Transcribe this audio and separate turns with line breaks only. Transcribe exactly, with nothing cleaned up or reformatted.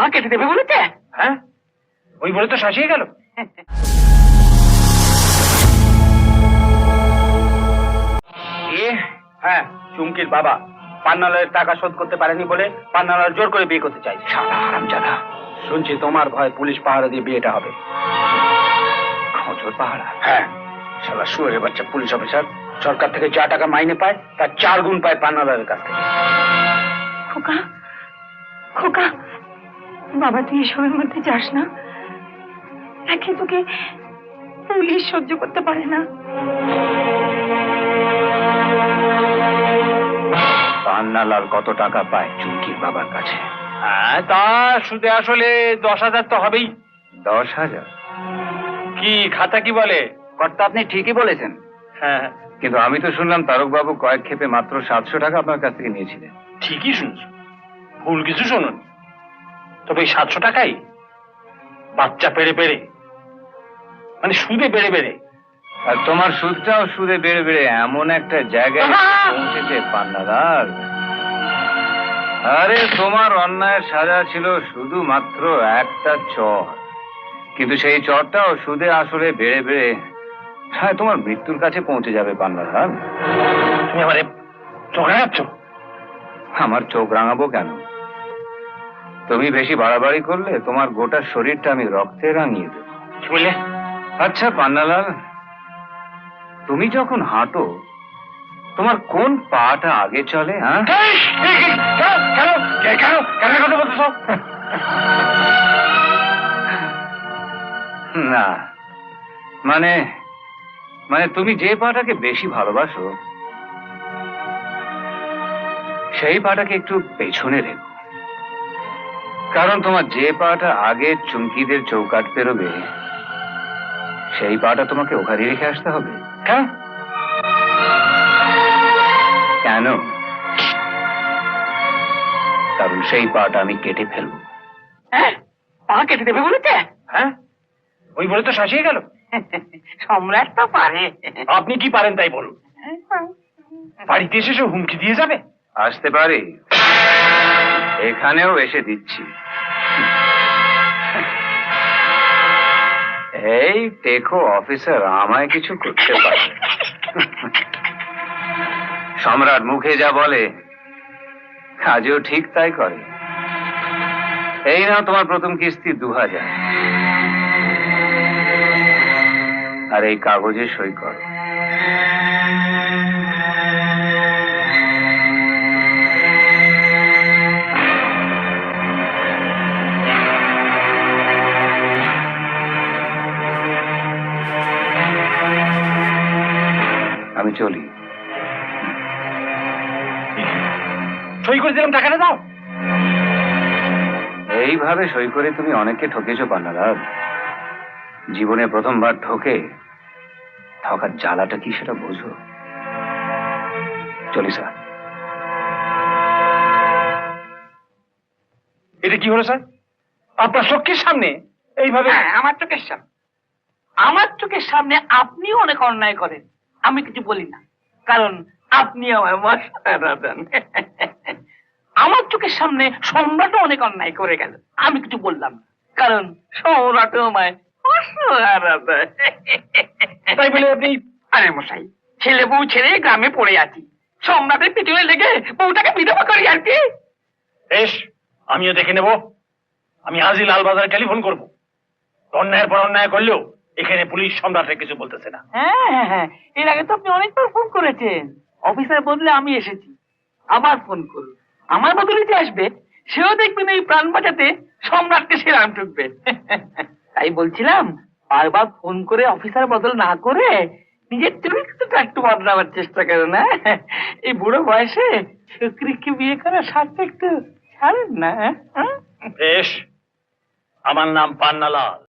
কেটে দেবে বলেছে।
হ্যাঁ, ওই বলে তো শাসিয়ে গেল। হ্যাঁ, চুমকির বাবা পান্নালালের টাকা শোধ করতে পারেনি বলে পান্নালাল জোর করে বিয়ে করতে চাইছে। শালা হারামজাদা, শুনছি তোমার ভয় পুলিশ পাহারা দিয়ে বিয়েটা হবে। খোঁজর পাহারা? হ্যাঁ, শালা শুয়োরের বাচ্চা পুলিশ অফিসার সরকার থেকে যা টাকা মাইনে পায় তার চার গুণ পায় পান্নালালের কাছ থেকে।
খোকা, খোকা, বাবা তুই এসবের মধ্যে যাস না। একে তোকে পুলিশ সহ্য করতে পারে না।
পান্নালাল কত টাকা পায় চুমকির বাবার কাছে? হ্যাঁ, তা সুদে আসলে দশ হাজার তো হবেই। দশ হাজার? কি খাতা কি বলে? কর্তা আপনি ঠিকই বলেছেন। হ্যাঁ, কিন্তু আমি তো শুনলাম তারক বাবু কয়েক ক্ষেপে মাত্র সাতশো টাকা আপনার কাছ থেকে নিয়েছিলেন। ঠিকই শুনছো, ভুল কিছু শুনুন। তবে এই সাতশো টাকাই বাচ্চা পেড়ে পেড়ে, মানে সুদে বেড়ে বেড়ে। আর তোমার সুদটাও সুদে বেড়ে বেড়ে এমন একটা জায়গায় পৌঁছেছে পান্নালাল। আরে তোমার অন্যায়ের সাজা ছিল শুধুমাত্র একটা চর, কিন্তু সেই চরটাও সুদে আসলে বেড়ে বেড়ে হ্যাঁ তোমার মৃত্যুর কাছে পৌঁছে যাবে পান্নালাল। তুমি আমারে চোখ রাঙাচ্ছ? আমার চোখ রাঙাবো কেন? তুমি বেশি বাড়াবাড়ি করলে তোমার গোটা শরীরটা আমি রক্তে রাঙিয়ে দেব। কি বললে? আচ্ছা পান্নালাল, তুমি যখন হাঁটো তোমার কোন পাটা আগে চলে? হ্যাঁ, না মানে মানে তুমি যে পাটাকে বেশি ভালোবাসো সেই পাটাকে একটু পেছনে রেখো, কারণ তোমার যে পাটা আগে চুমকিদের চৌকাট পেরোবে সেই পাটা তোমাকে ওখানে রেখে আসতে হবে। হ্যাঁ, কেন? কারণ সেই পাটা আমি কেটে ফেলবো।
হ্যাঁ, পা কেটে দেবে বলেছে।
হ্যাঁ, ওই বলে তো শাসিয়ে গেল।
সম্রাট তো পারে।
আপনি কি পারেন তাই বলুন। বাড়িতে এসে সে হুমকি দিয়ে যাবে? আসতে পারি, এখানেও এসে দিচ্ছি। এই টেকো অফিসার আমায় কিছু করতে পারে? সম্রাট মুখে যা বলে কাজেও ঠিক তাই করে। এই নাও তোমার প্রথম কিস্তি দু হাজার, আর এই কাগজে সই করো। আমি চলি। সই করে দিলাম, টাকাটা দাও। এইভাবে সই করে তুমি অনেককে ঠকেছো পান্নালাল। জীবনে প্রথমবার ঠকে ঠকার জ্বালাটা কি সেটা বোঝো। চলি স্যার। এটা কি হলো স্যার? আপনার চোখের সামনে এইভাবে?
আমার চোখের সামনে, আমার চোখের সামনে আপনিও অনেক অন্যায় করেন, আমি কিছু বলি না, কারণ আপনি আমার মশারা দেন। আমার চোখের সামনে সম্রাটও অনেক অন্যায় করে গেল, আমি কিছু বললাম না, কারণ সম্রাটও আমায় মশারা দেয়।
তাই বলে আপনি?
আরে মশাই, ছেলে বউ ছেড়ে গ্রামে পড়ে আছি, সম্রাটের পিছনে লেগে বউটাকে বিধবা করি আর কি।
বেশ, আমিও দেখে নেব। আমি আজই লালবাজারে টেলিফোন করবো। অন্যায়ের পর অন্যায় করলেও এখানে পুলিশ সম্রাটের কিছু বলতেছে না।
হ্যাঁ হ্যাঁ হ্যাঁ, এর আগে তো আপনি অনেকবার ফোন করেছেন, অফিসার বদলে আমি এসেছি, আবার ফোন করুন। আমার বদলে যে আসবে সেও দেখবেন এই প্রাণ বাঁচাতে সম্রাটকে সে রাম ঠুকবে। তাই বলছিলাম, বারবার ফোন করে অফিসার বদল না করে নিজের চরিত্রটা একটু বদলাবার চেষ্টা করে না। এই বুড়ো বয়সে শুক্রিকে বিয়ে করা সাথে একটু ছাড়েন না।
বেশ, আমার নাম পান্নালাল।